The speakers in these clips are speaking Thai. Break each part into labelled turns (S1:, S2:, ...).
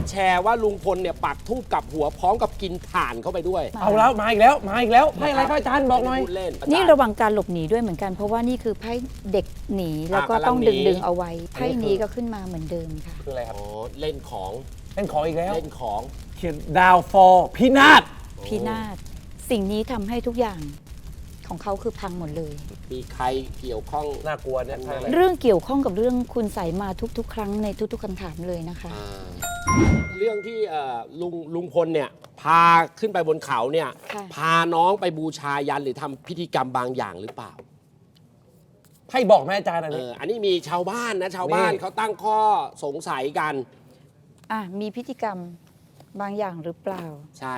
S1: แชร์ว่าลุงพลเนี่ยปักธูปกับหัวพร้อมกับกินถ่านเข้าไปด้วย
S2: เอาแล้วมาอีกแล้วมาอีกแล้วไพ่อะไรครับอาจารย์บอกหน่อย
S3: นี่ระวังการหลบหนีด้วยเหมือนกันเพราะว่านี่คือไพ่เด็กหนีแล้วก็ต้องดึงเอาไว้ไพ่นี้ก็ขึ้นมาเหมือนเดิมค่ะ
S2: คืออะไรครับ
S1: อ๋อเล่นของ
S2: อีกแล้ว
S1: เล่นของ
S2: เขียนดาวฟอร์พินาศ
S3: สิ่งนี้ทำให้ทุกอย่างของเขาคือพังหมดเลย
S1: มีใครเกี่ยวข้อง
S2: น่ากลัวเนี่ย
S3: เรื่องเกี่ยวข้องกับเรื่องคุณใส่มาทุกๆ ครั้งในทุกๆคำถามเลยนะคะ
S1: เรื่องที่ลุงพลเนี่ยพาขึ้นไปบนเขาเนี่ยพาน้องไปบูชายันหรือทำพิธีกรรมบางอย่างหรือเปล่า
S2: ไพ่บอกแม่อาจารย์
S1: อันนี้มีชาวบ้านนะชาวบ้านเขาตั้งข้อสงสัยกัน
S3: มีพิธีกรรมบางอย่างหรือเปล่า
S1: ใช่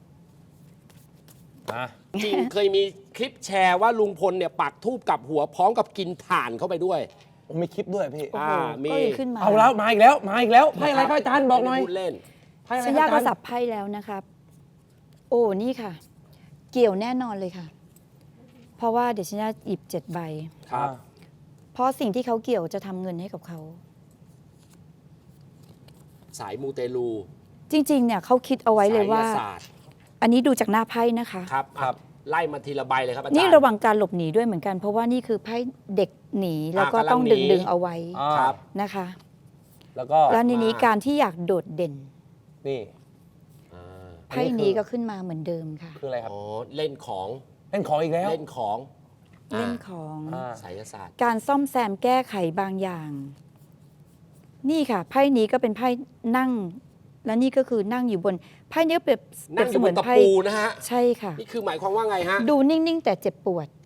S1: จริงเคยมีคลิปแชร์ว่าลุงพลเนี่ยปักธูปกับหัวพร้อมกับกินถ่านเข้าไปด้วย
S2: มีคลิปด้วยพี่
S3: มีขึ้นมา
S2: เอาแล้วมาอีกแล้วไพ่อะไรครับอาจารย์บอกหน่อย
S1: พูดเล่น
S3: สัญญาก็สับไพ่แล้วนะครับโอ้นี่ค่ะเกี่ยวแน่นอนเลยค่ะเพราะว่าเดี๋ยวสัญญาหยิบ7 ใบ
S1: ครับ
S3: เพราะสิ่งที่เขาเกี่ยวจะทำเงินให้กับเขา
S1: สายมูเตลู
S3: จริงๆเนี่ยเขาคิดเอาไว้เลยว่าอันนี้ดูจากหน้าไพ่นะคะ
S1: ครับไล่มาทีละใบเลยครับอาจารย์
S3: นี่ระวังการหลบหนีด้วยเหมือนกันเพราะว่านี่คือไพ่เด็กหนีแล้วก็ต้องดึงเอาไว้นะคะแล้วในนี้การที่อยากโดดเด่น
S2: นี่
S3: ไพ่นี้ก็ขึ้นมาเหมือนเดิมค่ะ
S2: คืออะไรครับ
S1: เล่นของ
S2: อีกแล้ว
S3: เล่นของ
S1: ไสยศาสตร์
S3: การซ่อมแซมแก้ไขบางอย่างนี่ค่ะไพ่นี้ก็เป็นไพ่นั่งและนี่ก็คือนั่งอยู่บนไพ่นี้เป็น
S1: นั่งอยู่บนตะปูนะฮะ
S3: ใช่ค่ะ
S1: นี่คือหมายความว่าไงฮะ
S3: ดูนิ่งๆแต่เจ็บปวด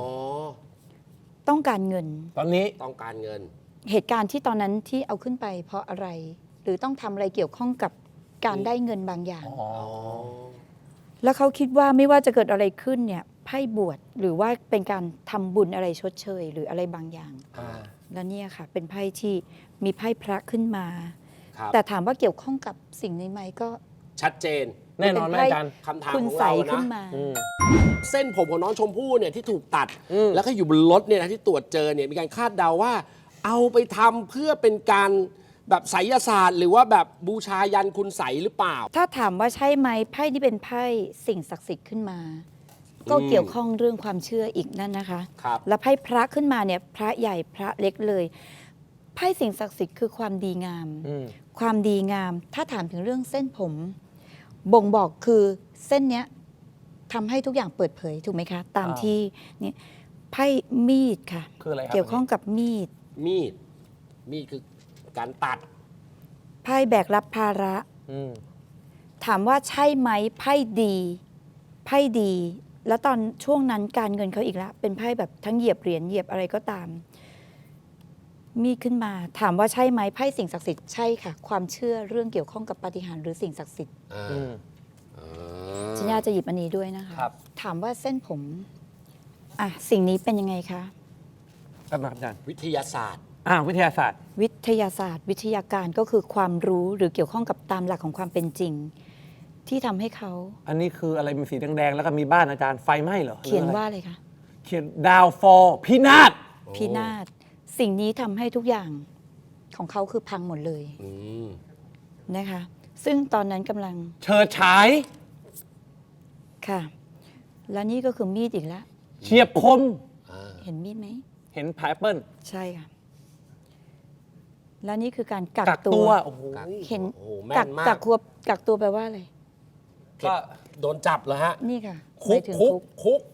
S3: ต้องการเงิน
S2: ตอนนี้
S1: ต้องการเงิน
S3: เหตุการณ์ที่ตอนนั้นที่เอาขึ้นไปเพราะอะไรหรือต้องทำอะไรเกี่ยวข้องกับการได้เงินบางอย่างแล้วเขาคิดว่าไม่ว่าจะเกิดอะไรขึ้นเนี่ยไพ่บวชหรือว่าเป็นการทำบุญอะไรชดเชยหรืออะไรบางอย่างแล้วเนี่ยค่ะเป็นไพ่ที่มีไพ่พระขึ้นมาแต่ถามว่าเกี่ยวข้องกับสิ่งนี้ไหมก็
S1: ชัดเจน
S2: แน่นอนไหมอาจารย์
S1: คำถามของเรานะเส้นผมของน้องชมพู่เนี่ยที่ถูกตัดแล้วก็อยู่บนรถเนี่ยนะที่ตรวจเจอเนี่ยมีการคาดเดาว่าเอาไปทำเพื่อเป็นการแบบไสยศาสตร์หรือว่าแบบบูชายันคุณไสหรือเปล่า
S3: ถ้าถามว่าใช่ไหมไพ่ที่เป็นไพ่สิ่งศักดิ์สิทธิ์ขึ้นมาก็เกี่ยวข้องเรื่องความเชื่ออีกนั่นนะคะแล้วไพ่พระขึ้นมาเนี่ยพระใหญ่พระเล็กเลยไพ่สิ่งศักดิ์สิทธิ์คือความดีงามความดีงามถ้าถามถึงเรื่องเส้นผมบ่งบอกคือเส้นเนี้ยทำให้ทุกอย่างเปิดเผยถูกไหมคะตามที่นี่ไพ่มีดค่ะ
S2: คืออะไรครับ
S3: เกี่ยวข้องกับมีด
S1: คือการตัด
S3: ไพ่แบกรับภาระถามว่าใช่ไหมไพ่ดีแล้วตอนช่วงนั้นการเงินเขาอีกแล้วเป็นไพ่แบบทั้งเหยียบเหรียญเหยียบอะไรก็ตามมีขึ้นมาถามว่าใช่ไหมไพ่สิ่งศักดิ์สิทธิ์ใช่ค่ะความเชื่อเรื่องเกี่ยวข้องกับปาฏิหาริย์หรือสิ่งศักดิ์สิทธิ์สัญญาจะหยิบอันนี้ด้วยนะคะถามว่าเส้นผมสิ่งนี้เป็นยังไงคะ
S2: ครับอาจารย์
S1: วิทยาศาสตร์
S2: วิทยาศาสตร์
S3: วิทยาการก็คือความรู้หรือเกี่ยวข้องกับตามหลักของความเป็นจริงที่ทำให้เขา
S2: อันนี้คืออะไรมีสีแดงๆแล้วก็มีบ้านอาจารย์ไฟไหม้เหรอ
S3: เขียนว่าอะไรคะ
S2: เขียนดาวฟอร์พินาศ
S3: สิ่งนี้ทำให้ทุกอย่างของเขาคือพังหมดเลยนะคะซึ่งตอนนั้นกำลัง
S2: เฉิดฉาย
S3: ค่ะแล้วนี่ก็คือมีดอีกแล้ว
S2: เฉียบคม
S3: เห็นมีดไหม
S2: เห็นแอปเปิ้ล
S3: ใช่ค่ะแล้วนี่คือการกักตัวเห็นกักตัวแปลว่าอะไร
S1: ก็โดนจับเหรอฮะ
S3: นี่ค่ะ
S1: คุก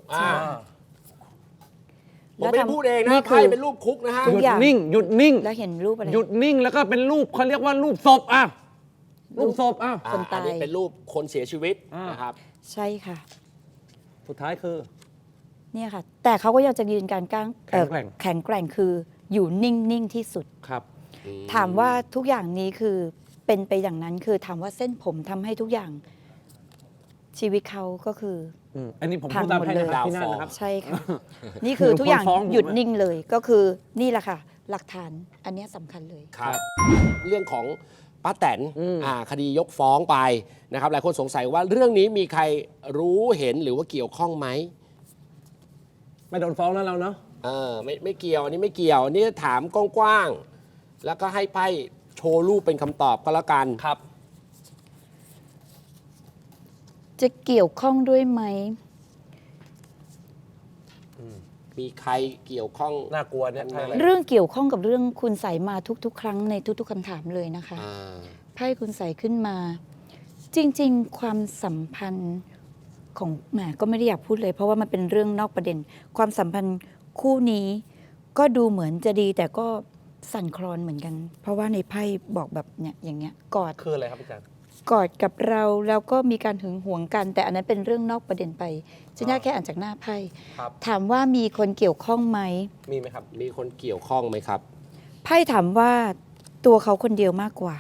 S1: ผมไม่ได้พูดเองนะไพ่เป็นรูปคุกนะฮะ
S2: หยุดนิ่ง
S3: แล้วเห็นรูปอะไร
S2: หยุดนิ่งแล้วก็เป็นรูปเขาเรียกว่ารูปศพรูปศพ
S3: คนตาย
S1: อันนี้เป็นรูปคนเสียชีวิตนะครับ
S3: ใช่ค่ะ
S2: สุดท้ายคือ
S3: เนี่ยค่ะแต่เขาก็ยังจะยืนการแข็งแกร่งคืออยู่นิ่งที่สุด
S2: ครับ
S3: ถามว่าทุกอย่างนี้คือเป็นไปอย่างนั้นคือถามว่าเส้นผมทำให้ทุกอย่างชีวิตเขาก็คือ
S2: อันนี้ผมพูดตามให้ดาวฟอร์
S3: ใช่ค่ะนี่คือทุกอย่างหยุดนิ่งเลยก็คือนี่แหละค่ะหลักฐานอันนี้สำคัญเลย
S1: ครับเรื่องของป้าแตนคดียกฟ้องไปนะครับหลายคนสงสัยว่าเรื่องนี้มีใครรู้เห็นหรือว่าเกี่ยวข้องไหม
S2: ไม่โดนฟ้องแล้วเราเนาะ
S1: ไม่เกี่ยวอันนี้ไม่เกี่ยวอันนี้ถามกว้างๆแล้วก็ให้ไพ่โชว์รูปเป็นคำตอบก็แล้วกัน
S2: ครับ
S3: จะเกี่ยวข้องด้วยไหม
S1: มีใครเกี่ยวข้อง
S2: น่ากลัวเนี่ยไพ่อะไร
S3: เรื่องเกี่ยวข้องกับเรื่องคุณใสยมาทุกๆ ครั้งในทุกๆคำถามเลยนะคะ
S1: อ่า
S3: ไพ่คุณใสยขึ้นมา จริงๆ ความสัมพันธ์ของแหมก็ไม่ได้อยากพูดเลย เพราะว่ามันเป็นเรื่องนอกประเด็น ความสัมพันธ์คู่นี้ก็ดูเหมือนจะดีแต่ก็สั่นคลอนเหมือนกัน เพราะว่าในไพ่บอกแบบเนี่ยอย่างเงี้ยกอด
S2: คืออะไรครับอาจารย์
S3: กอดกับเราแล้วก็มีการหึงหวงกัน แต่อันนั้นเป็นเรื่องนอกประเด็นไปฉันอยากแค่อ่านจากหน้าไพ่
S2: ครับ
S3: ถามว่ามีคนเกี่ยวข้องไหม
S2: มีไหมครับ
S1: มีคนเกี่ยวข้องไหมครับ
S3: ไพ่ถามว่าตัวเขาคนเดียวมากกว่า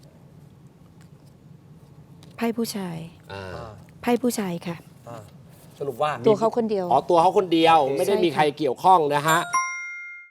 S3: ไพ่ผู้ชาย
S1: อ่า
S3: ไพ่ผู้ชายค่ะ
S2: สรุปว่า
S3: ตัวเขาคนเดียว
S1: อ๋อตัวเขาคนเดียวไม่ได้
S3: ใช่
S1: มี
S3: ค่ะ
S1: ใครเกี่ยวข้องนะฮะ